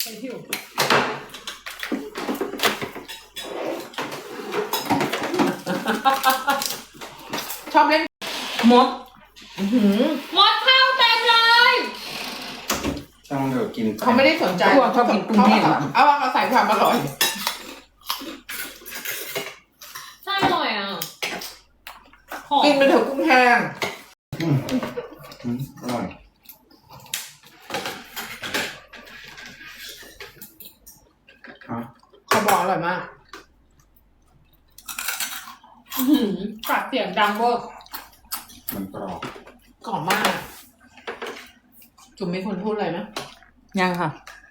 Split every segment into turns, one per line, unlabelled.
Thank you
ชอบเล่นมด
มดข้าวเต็มเลย
ต้องเดี๋ยวกิน
เขาไม่ได้สนใจ
ชอบกินกุ้งแห้ง
เอาว่าเขาใส่ความอร่อย
ใช่อร่อยอ่ะหอม
กินไปเถอะกุ้งแห้ง
อร่อย ฮะ
เขาบอกอร่อยมาก
กัดเสียงดังเวอร์
มันกรอบ
กรอบมาก จุ๋มมีคนพูดอะไรไหม
ยังค่ะ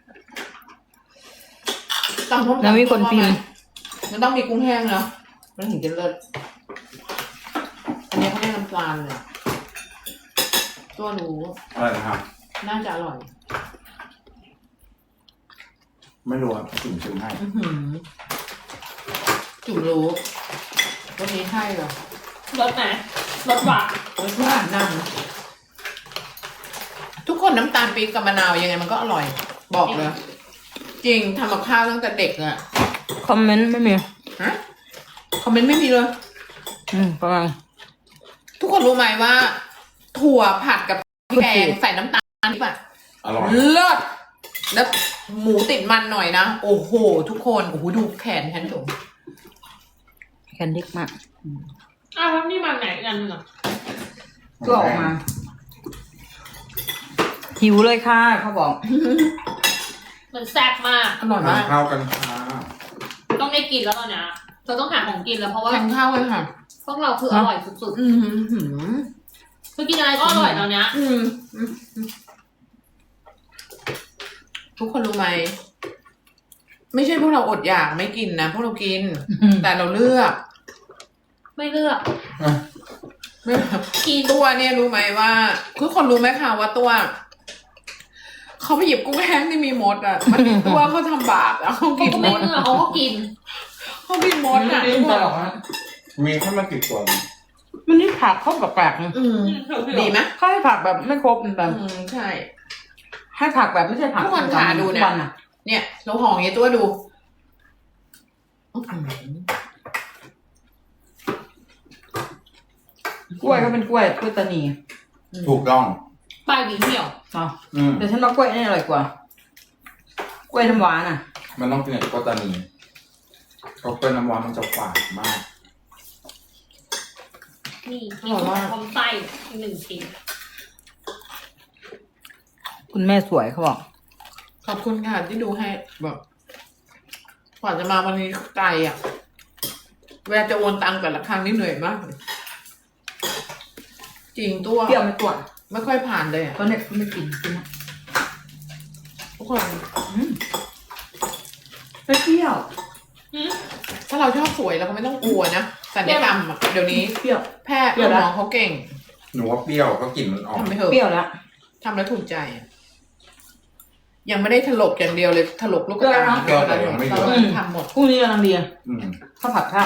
ตำส้ม
แล้วมีคนพิมพ์
มันต้องมีกุ้งแห้งเนาะมันถึงจะเลิศอันนี้เขาเรียกน้ำปลาเลยตัวรู้
อะไรนะครับ
น่าจะอร่อย
ไม่รู้ครับจุ่มชิมให้
อื้อหือจุ๋มรู้วันนี้ใช่เหรอ
รสไหนรสหวาน
รสหวานนำทุกคนน้ำตาลปี๊บกับมะนาวยังไงมันก็อร่อย บอกเลย จริงทำกับข้าวตั้งแต่เด็กอะ
คอมเมนต์ไม่มี
ฮะคอมเมนต์ไม่มีเลย
ประมาณ
ทุกคนรู้ไหมว่า ถั่วผัดกับแกงใส่น้ำตาลนี่ป่ะ
อร่อย
เลิศแล้วหมูติดมันหน่อยนะ โอ้โห ทุกคนโอ้โหดูแขนฉันจุ๋ม
แคนดิกมาก
อ้าวแล้วนี่มาไหนกันอ่ะ
ก็ออกมา หิวเลยค่ะเขาบอก
มันแซ่บมาก
อร่อยมาก
ข้าวกันค่ะ
ต้องได้กินแล้วตอนเนี้ยเราต้องหาของกินแล้วเพราะว่า
ทานข้าวเลยค่ะ
พวกเราคืออร่อยสุด
อืมหืม
ๆคือกินอะไรก็อร่อยตอนเนี้ย
อืมทุกคนรู้ไหม ไม่ใช่พวกเราอดอยากไม่กินนะ พวกเรากิน แต่เราเลือก
ไม่เลือก
ไม่
กิน
ตัวเนี่ยรู้ไหมว่าทุกคนรู้ไหมคะว่าตัวเขาไปหยิบกุ้งแห้งที่มีมดอ่ะ มันตัวเขาทำบาปอ่ะเขา
เขา
กิน
ก็
ม
ไม่
ด
เลือกเขาก็กิน
เขากินมดอ่ะ
ไม่
ทุก
ได้
คน
หรอกนะ
มีแค่มากี่ตัว
มันนี่ผักเขาแปลกๆนะ
อืมดีไหม
เขาให้ผักแบบไม่ครบแบบ
อืมใช่
ให้ผักแบบไม่ใช่ผัก
ทุกคนหาดูเนี่ย
ทุกวันอะ
เนี่ยเราห่ออย่างเงี้ยตัวดูอื้อหือก
ล้วยก็เป็นกล้วยตานี
ถูกต้อง
ปลายหวีเหี่ยว
เนาะ
อืม
แต่ฉันว่ากล้วยนี่อร่อยกว่า กล้วยน้ำหวานอ่ะ
มันต้องกินกับโกตานีเพราะเป็นน้ำว้ามันจะฝาดมาก
นี่มีพร้อมไส้อีกหนึ่งชิ้น
คุณแม่สวยเขาบอก
ขอบคุณค่ะที่ดูให้แบบกว่าจะมาวันนี้ไกลอ่ะเวลาจะโอนตังค์แต่ละครั้งนี่เหนื่อยมากเลยจริงตัว
เปรี้ยวไม่ตัว
ไม่ค่อยผ่านเลยอ่ะ
ตอนเนี้ยไม่กินนะ
ทุกคน
ไม่เปรี้ยว
ถ้าเราชอบสวยเราก็ไม่ต้องกลัวนะศัลยกรรมอะเดี๋ยวนี้
เปรี้ยว
แพทย์
เปรี้ยว
ห
นะ
มอเขาเก่ง
หนูว่าเปรี้ยวก็กลิ่นมันออก
ทำไปเถอะ
เปรี้ยวแล้ว
ทำแล้วถูกใจอะยังไม่ได้ถลกอย่างเดียวเลยถลกลูกกระตา
เปรี้ยวแต่ยังไม่เยอะ
ทำหมด
พรุ่งนี้กำลังดี
อืม
ข้าวผัดข้าว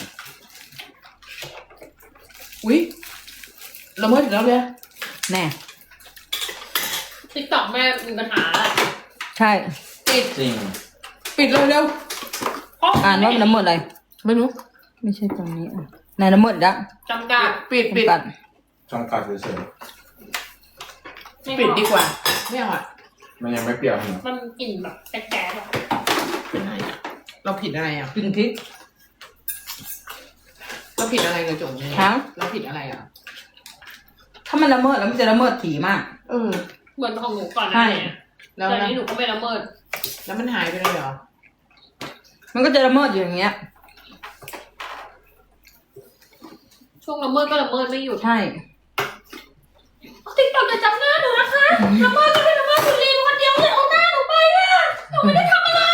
อุ้ยละเมิดอีกแล้วเลย
แน่
ติ๊กต็อกแม่มีปัญหาแหละ
ใช่
ปิด
จริง
ปิดเร็ว
เพราะ
อ่านว่ามันละเมิดอะไร
ๆไม่รู้
ไม่ใช่ตรงนี้อ่ะไหนละเมิดละ
จำกัด
ปิดปิด
จำกัด
จำกัดเฉย
ไม่
ปิด
พอ
ดีกว่าไม่เอาอ่ะ
ๆมันยังไม่เปรี้ยวนะ
มันกลิ่นแบบแก๊สๆอะ
เป็นไงอะเราผิดอะไรอ่ะ
กินพริก
เราผิดอะไรกับจุ๋มเนี่ย
ฮะ
เราผิดอะไรอ่ะ
ถ้ามันละเมิดแล้วมันจะละเมิดถี่มาก
เออ
เหมือนของหนูก่อนห
ใช่
น้านี้
แล้ว
แต่
นะ
นี้หนูก็ไม่ละเมิด
แล้วมันหายไปเลยเหรอ
มันก็จะละเมิดอยู่อย่างเงี้ย
ช่วงละเมิดก็ละเมิดไม่หยุด
ใช่
ติ๊กต็อกจะจำหน้าหนูนะคะละเมิดก็เป็นละเมิดคุณลีนคนเดียวเลยเอาหน้าหนูไปอะหนูไม่ได้ทำอะไร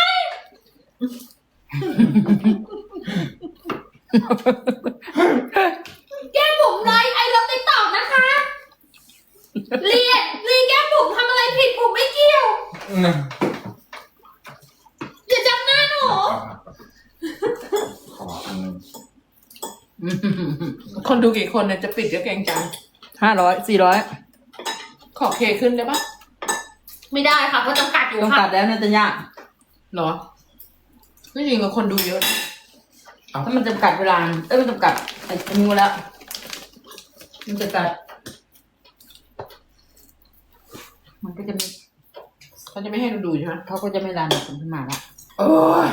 แก้มบุ๋มไลฟ์ไอเลิฟติ๊กต็อกนะคะลีแก้มบุ๋มทำอะไรผิดบุ๋มไม่เกี่ยว อย่าจำหน้าหนู
ขออันนึง
คนดูกี่คนเนี่ยจะปิดก็เกรงใจ
400
ขอเคขึ้นได้ปะ
ไม่ได้ค่ะเพราะจำกัดอยู่
ต้อง
ค่ะ
กัดแล้วเนี่ยจะยาก
เหรอไม่จริงกับคนดูเยอะนะ
ถ้ามันจำกัดเวลามันจำกัดไอ้นิ้วแล้ว มันจำกัด มันก็จะไม่
เขาจะไม่ให้เราดูใช่ไหม
เขาก็จะไม่รันคนขึ้นมาละ
โอ้ย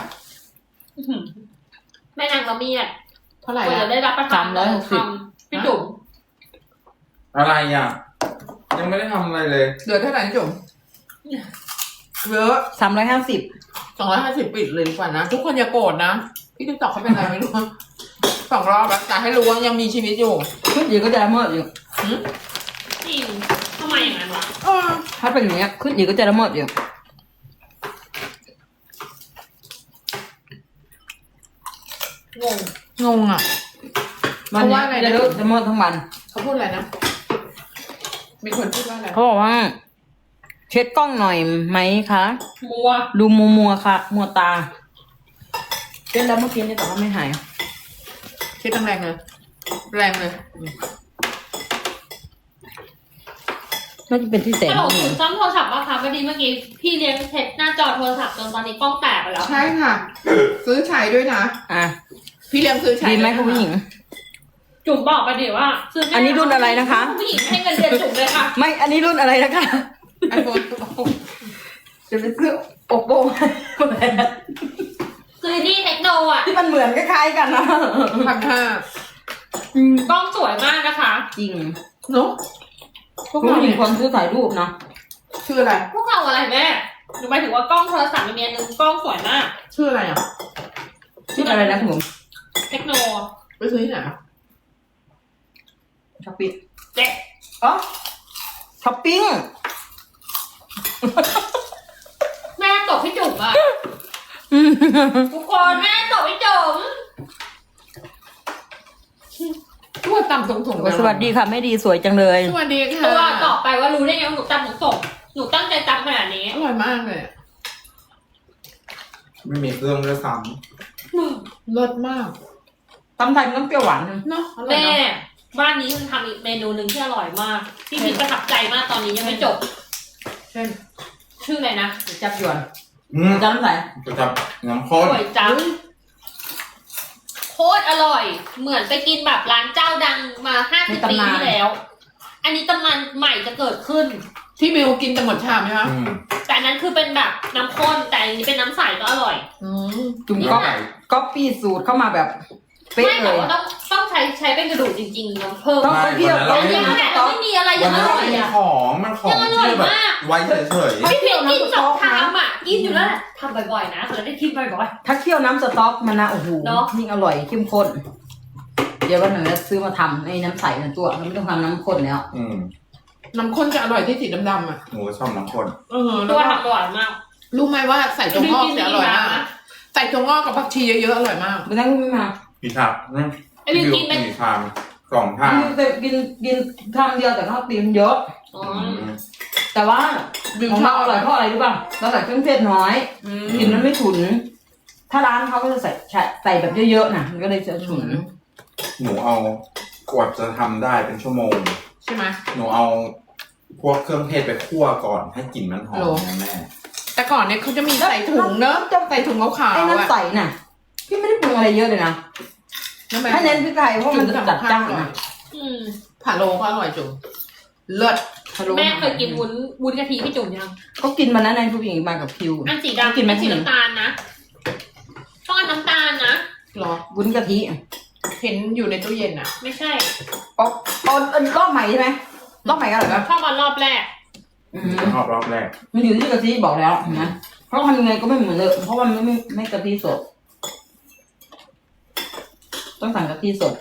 แม่นางละเมียด
เท่าไหร่
ควร
อะ
จะได้รับประทานคำพี่จุ๋ม
อะไรอ่ะ ยังไม่ได้ทำอะไรเลย
เหลือเท่าไหร่นะจุ๋มเยอะ
350
250ปิดเลยดีกว่านะทุกคนอย่าโกรธนะพี่ติ๊กตอกเขาเป็นอะไรไม่รู้2 รอบแล้วแต่ให้รู้ว่ายังมีชีวิตอยู่
ขึ้นอีกก็จะละเมิดอยู่
จริงทำไมอย่างนั้นวะ
ถ้าเป็นอย่างเงี้ยขึ้นอีกก็จะละเมิดอยู่
งง
งงอ่ะ
วัน
เขา
นี้
ว่าอะไรนะ
จะละเมิดทั้งวัน
เขาพูดอะไรนะมีคนพูดว่าอะไร
เขาบอกว่า เช็ดกล้องหน่อยไหมคะ
มัว
ดูมัวค่ะ มัวตาเช็ดแล้วเมื่อกี้เนี่ยแต่ว่าไม่หาย
คิดแรงเลยแรงเลย
น่าจะเป็นที่แสง
ฮัลโหล
นี่
ถึงซ่อมโทรศัพท์ป่ะคะพอดีเมื่อกี้พี่เลี้ยงเทปหน้าจอโทรศัพท์จนตอนนี้กล้องแตกไปแล้ว
ใช่ค่ะ ซื้อใช้ด้วยนะ
อ่ะ
พี่เลี้ยงซื้อใช้
ดีไหม
ด้วยนะ
คุณผู้หญิง
จุ๋มบอกไปดิว่าซื้อแม่
อันนี้รุ่นอะไรนะคะ
ผู้หญิงให้เงินเดือนจุ๋มเลยค่ะ
ไม่ อันนี้รุ่นอะไรนะคะ
ไอโฟน
จะไปซื้อโอโป
ซื้อนี่เทคโนอ่ะ
ที่มันเหมือนคล้ายๆกันนะ
กล้องสวยมากนะคะ
จริง
เนาะพวก
คุณ
เรา
ผู้หญิ
เนี่
ง
ย
คนซื้อถ่ายรูปเนาะ
ชื่ออะไร
พวกเราอะไรแม่หนูหมายถึงว่ากล้องโทรศัพท์มีอันนึงกล้องสวยมาก
ชื่ออะไรอ่ะ
ชื่ออะไรนะคุณผม
เทคโน
ไปซื้อที่ไหนอ่ะ
ช้อปปิ้ง
เจ๊
อ๋อช้อปปิ้ง
แม่ตบพี่จุ๋มอ่ะทุกคนแม่ตบพี่จุ๋ม
ทั่วตำส่งๆ
สวัสดีค่ะไม่ดีสวยจังเลย
สวัสดีค่ะ
ตัวต่อไปว่ารู้ได้ไงว่าหนูจำหนูส่งหนูตั้งใจจำขนาดนี้
อร่อยมากเลย
ไม่มีเครื่องด้วยซ้
เลิศมาก
ตำไทยมันต้องเปรี้ยวหวานนะ
เนาะอร่อย
แม่
เนาะ
บ้านนี้มันทำอีกเมนูหนึ่งที่อร่อยมาก ที่พี่ประทับใจมากตอนนี้ยังไม่จบ
เช่น
ชื่ออะไรนะ
จับยวน
ำ
จำน้ำใส
จะจับน้ำข้น
สวยจังโคตรอร่อย เหมือนไปกินแบบร้านเจ้าดังมา50 ปีที่แล้ว อันนี้ตำนานใหม่จะเกิดขึ้น
ที่มิวกินแต่หมดชามไหมคะ
แต่อันนั้นคือเป็นแบบน้ำข้นแต่อันนี้เป็นน้ำใสก็อร่อย
จุ่ม
แล้
ก็
วไก่
ก๊อปปี้สูตรเข้ามาแบบเป๊ะ
ไม่
เล
แต่
ย
ว่าต้องใช้เป็นกระดูกจริงๆน้ำเพิ่ม
ต้องเปรี้ยว
แต่ยังไงเราไม่มีอะไร
วั
ยั
น
ง
นั้
อน
เรา
ร่อย
ไม่มี
อ่ะ
ของมันของ
ยังอร่อย
ที่แบบ
มาก
ไว้เฉย
พี่เพียงกิน2 ชามอ่ะกินอยู่แล้วแหละทำบ่อยๆนะเผื่อได้กินบ่อย
ถ้าเคี่ยวน้ำสต๊อกมันนะโอ้โห
เนอะ
ยิ่งอร่อยเข้มข้น เดี๋ยววันหนึ่งจะซื้อมาทำไอ้น้ำใสนะตัวมันไม่ต้องทำน้ำข้นแล้ว
น้ำข้นจะอร่อยที่สีดำๆอ่ะ
หนูก็ชอบน้ำข้น
ๆ
แล้
ตัว ว
ก็
ทำอร่อยมาก
รู้ไหมว่าใส่ถั่วงอกจะอร่อยมาก
นะ
ใส่ถั่วงอกกับผักชีเยอะๆอร่อยมาก
ไม่ต้องไม่มา
พี่ชาม
ไอ้บิวกินเป็น
กี่ชาม2 ชาม
แต่กินคำเดียวแต่ข้าวตีนเยอะ
อ๋อ
แต่ว่า
บิว
ของ
ชอ
เรา
บ
อร่อยเพราะอะไรรู้ป่ะเราใส่เครื่องเทศน้อย กินมันไม่ฉุน ถ้าร้านเขาก็จะใส่แบบเยอะๆนะมันก็เลยจะฉุน
หนูเอากว่าจะทำได้เป็นชั่วโมง
ใช่ไหม
หนูเอาพวกเครื่องเทศไปคั่วก่อนให้กลิ่นมันหอ
โห
มนะแม่
แต่ก่อนเนี่ยเขาจะมีใส่ถุงเนอะใส่ถุงขาว
ไอ้
ๆ
น้ำ
อ่ะ
ใสน่ะ พี่ไม่ได้ปรุงอะไรเยอะเลยนะ
น้ำแม่
ถ้าเน้นพริกไทยเพราะมันจะจัดจ้านนะ
อืม
ผัดโลก็อร่อยจุ๋มเลิศ
แม่เคยกินวุ้นกะทิพี่จุ๋มยัง
เขากินมานั้นในผู้หญิงมากับคิว
อันสีดำ
กินไหม
อัสีน้ำตาลนะต้องอันน้ำตาลนะ
หรอ
วุ้นกะทิ
เห็นอยู่ในตู้เย็นอ่ะ
ไม่ใช่
อ๋อรอบใหม่ใช่ไหมรอบใหม่ก็อร่อยปะ
ชอบมารอบแรก
รอบแรก
มันอยู่ที่กะทิบอกแล้วเห็นไหมเพราะทำยังไงก็ไม่เหมือนเลยเพราะว่ามันไม่กะทิสด ต้องสั่งกะทิสด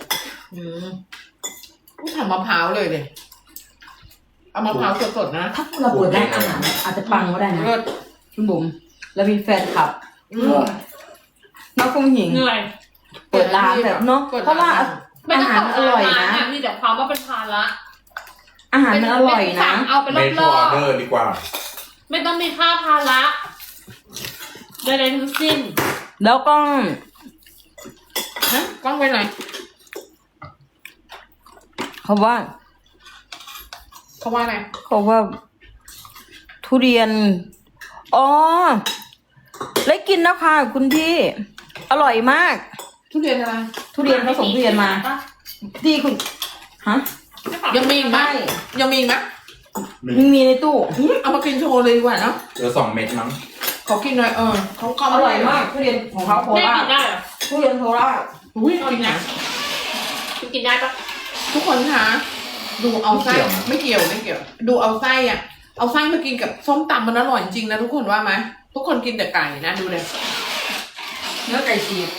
ทำมะพร้าวเลยเอามะพร้าวสดๆนะ
ถ้าเราเปิดร้านอาหารอาจจะปังก็ได้นะ
เลิศ
คุณบุ๋มแล้วมีแฟนคลับน้องคุณหญิง
เหนื่อย
เปิดร้านแบบเนาะเพราะว่า
ไม่
อา
ต้อง
หาร
ข
อร่อยนะ
มีแต่ความว่าเป็นภาระ
อาหารมันอร่อยนะ
เอาเป็นร
เม
อ
ทูออบ เดอร์ดีกว่า
ๆไม่ต้องมีค่าภาระใดๆทั้งสิ้น
แล้วก็
ฮะกล้องไปไหน
เขาว่า
เขาว่าอะไร
เขาว่าทุเรียน อ๋อได้กินแล้วค่ะคุณพี่ อร่อยมาก
ทุเรียนอะไร
ทุเรียนเขาส่งทุเรียนมา ที่คุณ ฮะ
ยังมีอีกไหม
ไม่
ยังมีอีกไหม
มีในตู้
เอามากินโชว์เลยดีกว่าเนาะ
เหลือ2 เม็ดมั้ง
ขอกินหน่อยเขา
อร่อยมากทุเรียนของเขาโค
แม่
รา
กิ
ช
นได้เหรอ
ทุเรียนโคราช
อุ้ยกินนะ
กินได้ปะ
ทุกคนคะดูเอาไส้ไม่เกี่ยวไม่เกี่ยว ดูเอาไส้อ่ะ เอาไส้มากินกับส้มตำมันอร่อยจริงนะทุกคนว่าไหมทุกคนกินแต่ไก่นะดูเลย
เนื้อไก่ฉีก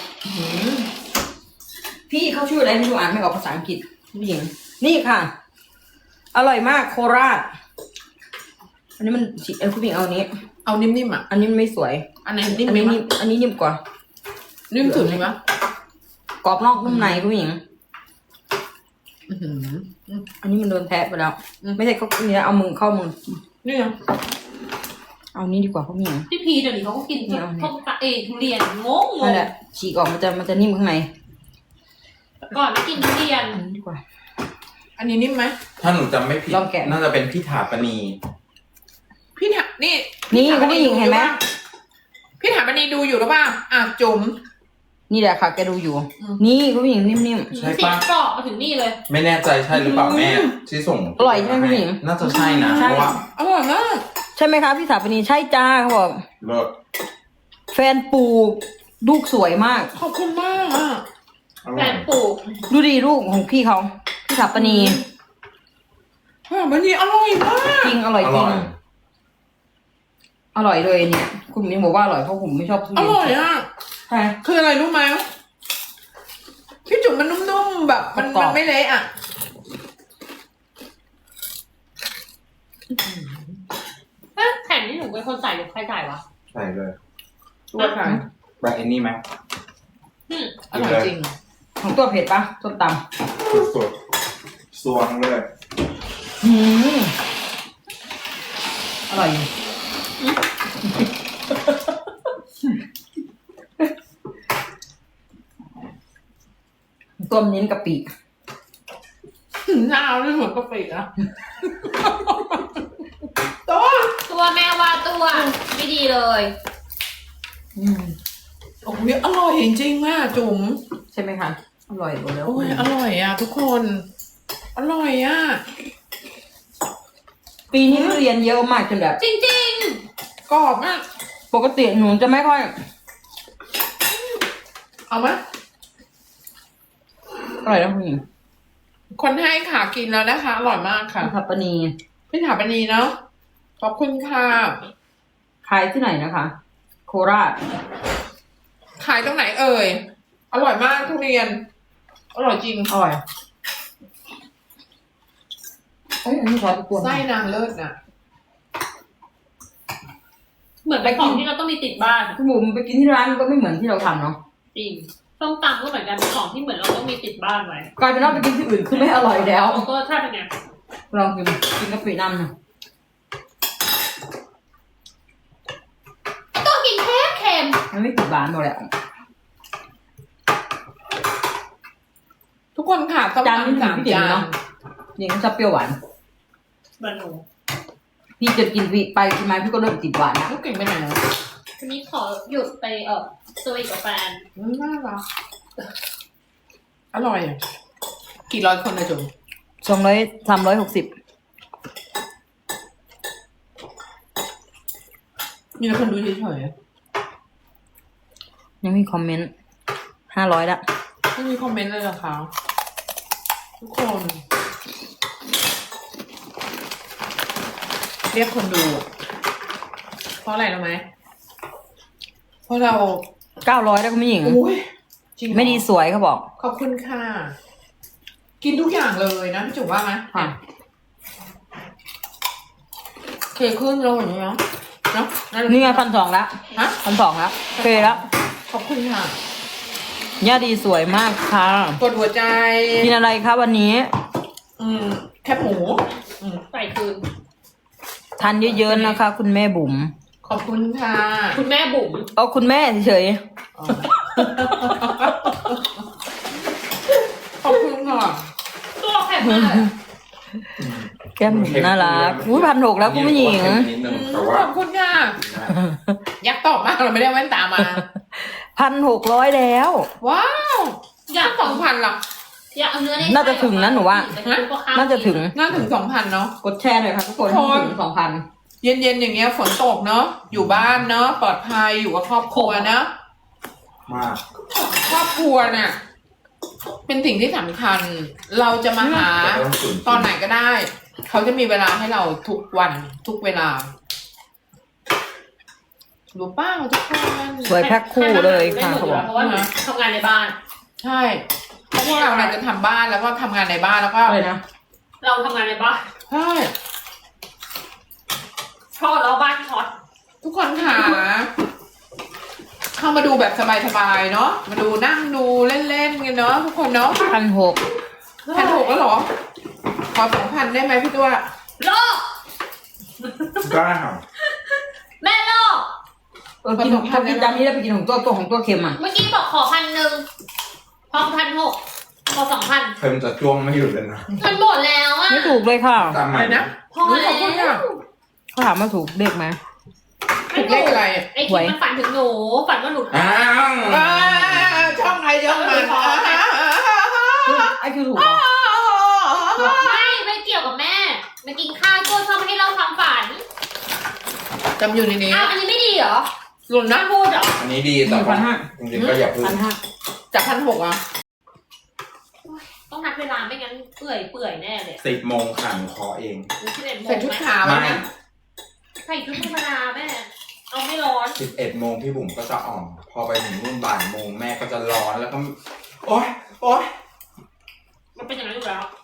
พี่เขาชื่ออะไรไม่รู้อ่านไม่ออกภาษาอังกฤษผู้หญิงนี่ค่ะ อร่อยมากโคราช อันนี้มันฉีกคุณผู้หญิงเอาอันนี้
เอานิ่มๆอ่ะ
อันนี้มันไม่สวย
อันไหนนิ่ม
อัน
ไหม
นี้นิ่มอันนี้นิ่มกว่า
นิ่มสุดเลยปะ
กรอบนอกนุ่มในคุณผู้หญิง
อื้อหือ
อันนี้มันโดนแทะไปแล้ว ไม่ใช่เขาเนี้ยเอามือเข้ามือ
นี่ยัง
เอานี้ดีกว่าคุณผู้หญิง
พี่พีเดี๋ยวนี้เขาก็กิน
เนี่ย
ส้มตำทุเรียนงง
นั่นแหละฉีกออกมันจะนิ่มข้างใน
ก่อนไม่กินทุเรียน
อันนี้ดีกว่า
อันนี้นิ่มไหม
ถ้าหนูจำไม่ผิด
ลองแกะ
น่าจะเป็นพี่ถาปณี
พี่ถานี่
นี่
ถา
คุณผู้หญิงเห็นไหม
พี่ถาปนีดูอยู่หรือเปล่าอ่ะจุ๋ม
นี่แหละค่ะแกดูอยู่
อืม
นี่คุณผู้หญิงนิ่ม
ใช่
เสีย
ปะ
งกรอบมาถึงนี่เลย
ไม่แน่ใจใช่หรือเปล่าแม่ที่ส่ง
อร่อยใช่ไหมพี่หญิง
น่าจะใช่นะ
ใช่
เพราะว่า
อร่อยมาก
ๆใช่ไหมคะพี่สาวปนีใช่จ้าเขาบอก
เลิศ
แฟนปลูกลูกสวยมาก
ขอบคุณมากอ่ะ
อ
แฟ
ร่อย
นปลูก
ดูดีลูกของพี่เขาพี่สาวปนี
วันนี้อร่อยมาก
จริงอร่อย
อ
จริ
ร่
ง
อย
อร่อยเลยเนี่ย คุณมิ้นบอกว่าอร่อยเพราะผมไม่ชอบทุ
อ
เรียน
ร่อยอ่ะ
ใช่
คืออะไรรู้ไหมพี่จุ๋มมันนุ่มๆแบบมัน
กรอบ
มันไม่เละอ่ะ
แผ่นที่หนูเป็นคนใส่หรือใครใส่วะ
ใส่เลย
ตัวค่ะ
แบบไอ้นี่ไหม
อร่อยจริง
ของตัวเผ็ดปะส้มต
สุดๆสวงเลย
ำอร่อยอยู่ตัวมันเน้นกะปิ
หน้าไม่เหมือนกะปิอ่ะตัว
ตัวแม่ว่าตัวไม่ดีเลย
โอ้ยอร่อยจริงๆอ่ะจุ๋ม
ใช่ไหมคะ อร่อยหมดแล้ว
โอ้ยอร่อยอ่ะทุกคน อร่อยอ่ะ
ปีนี้ทุเรียนเยอะมากจนแบบ
จริง
กรอบมาก
ปกติหนูจะไม่ค่อย
เอาไหม
อร่อยนะคุณหญิง
คนให้ค่ะกินแล้วนะคะ อร่อยมากค่ะ
ผัดปนี
พี่ถาปนีเนาะขอบคุณค่ะ
ขายที่ไหนนะคะ โคราช
ขายตรงไหนเอ่ย อร่อยมากทุเรียน อร่อยจริง
อร่อยเอ้ยอันนี้ขอไปกวน
ไส้นางเลิศน่ะ
ๆ เหมือนเป็นของที่เราต้องมีติดบ้าน
คุณบุ๋มไปกินที่ร้านมันก็ไม่เหมือนที่เราทำเนาะ
จริงส้มตำก็เหมือนกันเป็นของที่เหมือนเราต้องมีติดบ้านไว้
กลายเป็นว่าไปกินที่อื่นคือไม่อร่อยแล้ว
แล้วก็ถ้าเป็นไง
ลองกินกะปิน้ำนะ
ก็กินเค็ม
มันไม่ติดหวานหมดแหละ
ทุกคนค่ะส้ม
จานนี้
ตำ
ถึ
สาง ม
พี่ติ๋ม
จาน
เนาะนี่ก็ชอบเปรี้ยวหวาน
บะหนู
พี่จะกินไปกินมาพี่ก็เริ่มติดหวานนะ
ลูกเก่งไปไหนแล้ว
วันนี้ขอหยุดไปสวีทกับแฟน
น่ารักอร่อยอ่ะกี่ร้อยคนนะจุ๋ม
360
มีแต่คนดูเฉย
ยังมีคอมเมนต์500ละ
ๆไม่มีคอมเมนต์เลยเหรอคะทุกคนเรียกคนดู เพราะอะไรรู้ไหมเพราะเรา
900แล้วคุณผู้หญิง
โอ้ยจริงเหรอ
ไม่ดีสวยเขาบอก
ขอบคุณค่ะ กินทุกอย่างเลยนะพี่จุ๋มว่าไหม
ค่ะ
เคขึ้นลงอย่างนี้เนาะเนาะ
นี่ไง1,200ละ
ฮะ
1,200ละโอเคแล้ว
ขอบคุณค่ะ
ย่าดีสวยมากค่ะ
กดหัวใจ
กินอะไรคะวันนี้
แคบหมูอืม
ใส่คืน
ทานเยอะๆนะคะ คุณแม่บุ๋ม
ขอบคุณค่ะ
คุณแม่บุ๋ม
เอาคุณแม่เฉย
อ๋อขอบคุณค่ะ
ตัวแข็งมาก
ๆแก้มบุ๋มน่ารักอุ้ย1,600แล้วคุณผู้หญิง
นิดนึงแต่ว่า
ยักษ์ตอบมากเราไม่ได้แว่นตามา
1,600แล้ว
ว้าว
อยาก
2,000หรอ
อยากเอาเนื้อใน
น่าจะถึงนะหนูว่า น่าจะถึง
น่าถึง 2,000เนาะ
กดแชร์หน่อยค่ะทุกคน
ทุกคน
ถึง 2,000
เย็นๆอย่างเงี้ยฝนตกเนาะอยู่บ้านเนาะปลอดภัยอยู่กับครอบครัวเนาะ
มาก
ครอบครัวน่ะเป็นสิ่งที่สำคัญ เราจะมาหา
แต่ต้องฝืน
ตอนไหนก็ได้ เขาจะมีเวลาให้เราทุกวันทุกเวลารู้ป้าทุกคน
สวยแพ็คคู่เลยค่ะ
เพ
เขาบอก
ราะว่าหนูทำงานในบ้าน
ใช่เพราะพวกเราเนี่ยจะทำบ้านแล้วก็ทำงานในบ้านแล้วก็
เลยนะ
เราทำงานในบ้าน
ใช่
ทอดแล้วบ้านช็อต
ทุกคนค่ะเข้ามาดูแบบสบายๆเนาะมาดูนั่งดูเล่นๆกันเนาะทุกคนเนาะ
1,600
1,600แล้วเหรอขอ2,000ได้ไหมพี่ตัว
โลก
ได้ค่ะ
แม่โลก
กินพอกินจานนี้แล้วไปกินของตัวเค็มอ่ะ
เมื่อกี้บอกขอ1,000พอ1,600พอ2,000
เพิ่มจะจ้วงไม่หยุดเลยนะ
มันหมดแล้วอ่ะ
ไม่ถูกเลยค่ะ
ตามให
อะ
ม่
ไรนะ
พอ
ข
แล้
อบคุณค่ะ
ว
เขาถามมาถูกเลขไหม
ถูกเลขอะไรอ่ะ
ไอ้คิดมันฝันถึงหนูฝันว่าหนู
อ้าว
ช่องใครช่องมัน
ไอ้คือถูกเหรอ
ไม่เกี่ยวกับแม่มากินข้าวตัวชอบมาให้เราความฝัน
จำอยู่ในนี้
อ้าวอันนี้ไม่ดีเหรอ
หล่น
น่า
นะ
พูดเหรอ
อันนี้ดีแต่ว่าจริงๆก็อย่าพึ่ง
1,500
จาก1,600อ่ะ
ต้องนัดเวลาไม่งั้นเปื่อยแน่เลย
10 โมงขันคอเอง
หรือ11 โมง
ใส่ชุด
ไหม
ขาว
ไม่
นะ
ใส่ชุดธรรมดาแม่ เอาไม่ร้อน
11 โมงพี่บุ๋มก็จะอ่อมพอไปถึงนู่นบ่ายโมงแม่ก็จะร้อนแล้วก็ โอ๊ย
มันเป็นอย่างนั้นอยู่แล้ว